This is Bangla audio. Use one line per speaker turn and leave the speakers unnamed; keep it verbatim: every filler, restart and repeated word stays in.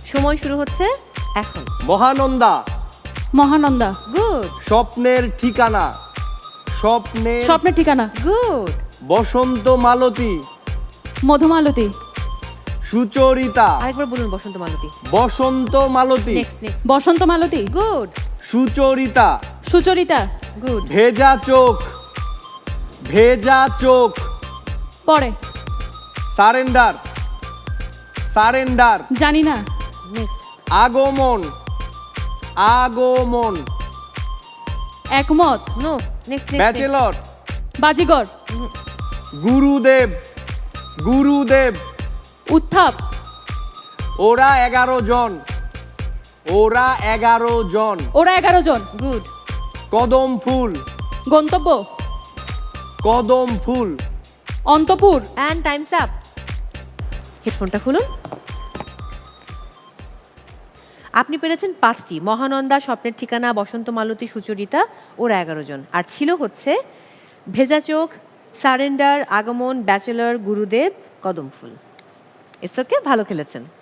সময় শুরু হচ্ছে এখন।
মহানন্দা।
মহানন্দা।
গুড
স্বপ্নের ঠিকানা। স্বপ্নের
স্বপ্নের ঠিকানা।
গুড
বসন্ত মালতী।
মধুমালতী।
সুচরিতা।
আরেকবার বলুন Basanta Malati.
Basanta Malati.
Next next
Basanta Malati.
Good
Sucharita.
Sucharita.
Good
Bheja Chokh. Bheja Chokh.
পরে।
সারেন্ডার। সারেন্ডার।
জানি না।
নেক্সট
আগমন। আগমন।
একমত।
No next next
bachelor.
Baazigar.
Gurudev. Gurudev.
উত্থাপ।
ওরা এগারো জন। ওরা এগারো জন।
ওরা এগারো জন।
গুড
কদম ফুল।
গন্তব্য।
কদম ফুল।
অন্তপুর।
And time's up. হেডফোনটা খুলুন। আপনি পেরেছেন পাঁচটি, মহানন্দা, স্বপ্নের ঠিকানা, বসন্ত মালতী, সুচরিতা, ওরা এগারো জন। আর ছিল হচ্ছে ভেজা চোখ, সারেন্ডার, আগমন, ব্যাচেলর, গুরুদেব, কদম ফুল। ইটস ওকে, ভালো খেলেছেন।